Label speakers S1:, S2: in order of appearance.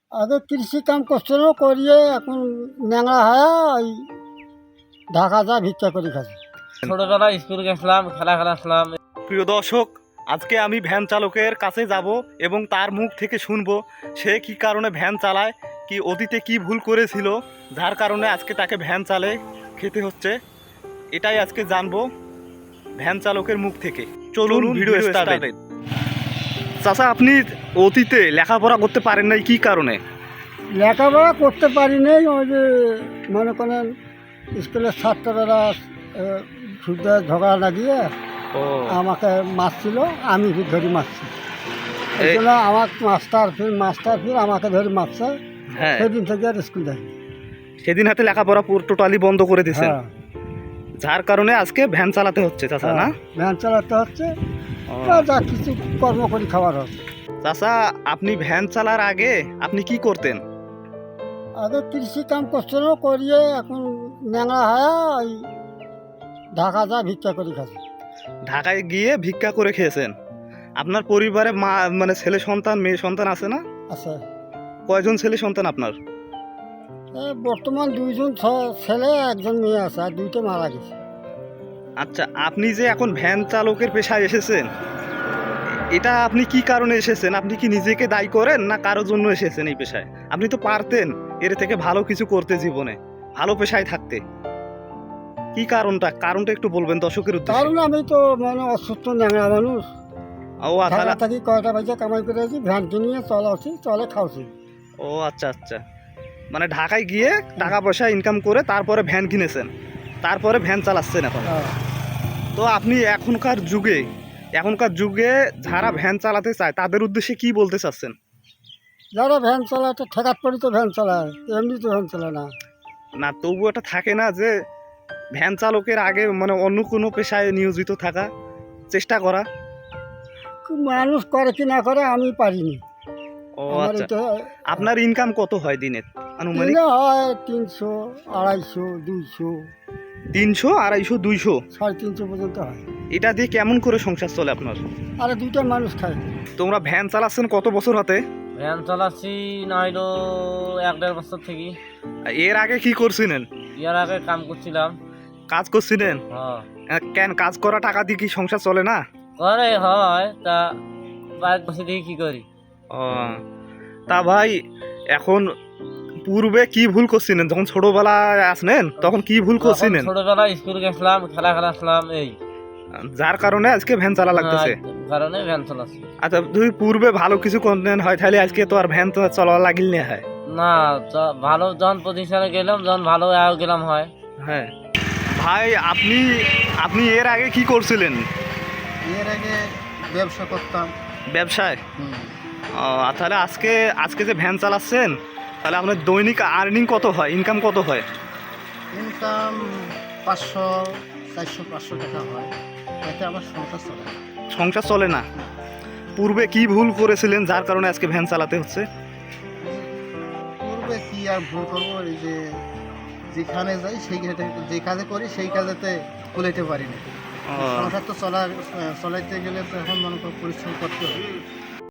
S1: আগে কৃষি কাম করছিল, করিয়ে এখন ন্যাংরা হয়ে ওই ঢাকা যা ভিক্ষা করে খাচ্ছে।
S2: ছোটবেলায় স্কুল গেছিলাম, খেলা খেলাছিলাম।
S3: প্রিয় দর্শক, আজকে আমি ভ্যান চালকের কাছে যাব এবং তার মুখ থেকে শুনবো সে কি কারণে ভ্যান চালায়, কি অতীতে কি ভুল করেছিল যার কারণে আজকে তাকে ভ্যান চালে খেতে হচ্ছে। এটাই আজকে জানবো ভ্যান চালকের মুখ থেকে। চলুন ভিডিও স্টার্ট। চাচা, আপনি অতীতে লেখাপড়া করতে পারেন নাই কি কারণে?
S1: লেখাপড়া করতে পারি নাই, ওই যে মনে করেন স্কুলের ছাত্ররা শুদ্ধ ঝগড়া লাগিয়ে
S3: ও
S1: আমাকে মারছিল, আমি ধরে মারছি। এই জন্য আমার মাস্টার ফির আমাকে ধরে মারছে।
S3: হ্যাঁ,
S1: সেদিন থেকে আর স্কুল যাই।
S3: সেদিন হাতে লেখাপড়া পুরো টোটালি বন্ধ করে দিয়েছেন,
S1: হ্যাঁ,
S3: যার কারণে আজকে ভ্যান চালাতে হচ্ছে চাচা, না?
S1: ভ্যান চালাতে হচ্ছে,
S3: ও।
S1: যা কিছু কর্ম করি খাবার হচ্ছে।
S3: চাচা, আপনি ভ্যান চালার আগে আপনি কি করতেন?
S1: আগে কৃষি কাম করছিল, করিয়ে এখন ন্যাংরা হয়ে ওই ঢাকা যা ভিক্ষা করে খাচ্ছে।
S3: ঢাকায় গিয়ে ভিক্ষা করে খেয়েছেন। আপনার পরিবারে মা মানে ছেলে সন্তান মেয়ে সন্তান আছে না?
S1: আছে,
S3: কয়জন ছেলে সন্তান আপনার?
S1: বর্তমান দুইজন ছেলে, একজন মেয়ে আছে, আর দুইটা মারা গেছে।
S3: আচ্ছা, আপনি যে এখন ভ্যান চালকের পেশায় এসেছেন, এটা আপনি কি কারণে এসেছেন? আপনি কি নিজেকে দায়ী করেন না কারোর জন্য এসেছেন এই পেশায়? আপনি তো পারতেন এর থেকে ভালো কিছু করতে, জীবনে ভালো পেশায় থাকতে। কি কারণটা একটু বলবেন দর্শকের উদ্দেশ্যে।
S1: কারণ আমি তো মানে অসুস্থ ন্যাংরা মানুষ,
S3: ও আচ্ছা,
S1: থাকি কয়টা বাজে কামাই করে আছি, ভ্যান কিনিয়ে চলাচ্ছি, চলে খাওয়াছি।
S3: ও আচ্ছা আচ্ছা, মানে ঢাকায় গিয়ে টাকা পয়সা ইনকাম করে তারপরে ভ্যান কিনেছেন, তারপরে ভ্যান চালাচ্ছেন এখন।
S1: হ্যাঁ।
S3: তো আপনি এখনকার যুগে যারা ভ্যান চালাতে চায় তাদের উদ্দেশ্যে কি বলতে চাচ্ছেন?
S1: যারা ভ্যান চালায় তো ঠেকাত পড়ি তো ভ্যান চালায়, এমনি তো ভ্যান চালায় না।
S3: না, তবু এটা থাকে না যে ভ্যান চালকের আগে মানে অন্য কোনো পেশায় নিয়োজিত থাকা, চেষ্টা করা?
S1: মানুষ করে কি না করে আমি পারিনি।
S3: ও
S1: আমার
S3: আচ্ছা,
S1: এটা
S3: আপনার ইনকাম কত হয় দিনে আনুমানিক?
S1: দিনে হয় 300, 250, 200,
S3: 300, 250, 200?
S1: 350 পর্যন্ত হয়।
S3: এটা দিয়ে কেমন করে সংসার চলে আপনার?
S1: আর দুইটা মানুষ খায়।
S3: তোমরা ভ্যান চালাচ্ছেন কত বছর হাতে?
S2: ভ্যান চালাচ্ছি না হইলো 1-1.5 বছর থেকে।
S3: এর আগে কি করছিলেন?
S2: ইয়ার আগে কাম করছিলাম।
S3: কাজ করছিলেন? কেন কাজ করা টাকা দিয়ে কি সংসার চলে না?
S2: করে হয় তা, বাইক বসে দিয়ে কি করি।
S3: ও, তা ভাই এখন পূর্বে কি ভুল করছিলেন যখন ছোটবেলায় আসলেন, তখন কি ভুল করছিলেন
S2: ছোটবেলায় স্কুল গেছিলাম, খেলা খেলাছিলাম, এই
S3: যার কারণে আজকে ভ্যান চালা লাগতেছে?
S2: কারণে ভ্যান চালাচ্ছি।
S3: আচ্ছা, তুই পূর্বে ভালো কিছু করতেন হয় তাহলে আজকে তো আর ভ্যান তো চলা লাগিল না হয়।
S2: না, ভালো যখন পজিশনে গেলাম, যখন ভালো গেলাম হয়।
S3: হ্যাঁ ভাই, আপনি এর আগে কি করছিলেন?
S1: এর আগে ব্যবসা করতাম।
S3: ব্যবসায়? ও, তাহলে আজকে যে ভ্যান চালাচ্ছেন, তাহলে আপনার দৈনিক আর্নিং কত হয়, ইনকাম কত হয়?
S1: ইনকাম 500, 400, 500 টাকা হয়। এতে আমার সংসার চলে।
S3: সংসার চলে না? পূর্বে কি ভুল করেছিলেন যার কারণে আজকে ভ্যান চালাতে হচ্ছে?
S1: পূর্বে কি আর ভুল করবো, এই যে যেখানে যাই যে কাজে করি সেই কাজেতে কুলাইতে পারি না।
S3: ও,
S1: সংসার তো চলাইতে গেলে তো এখন মনে করো পরিশ্রম করতে হবে।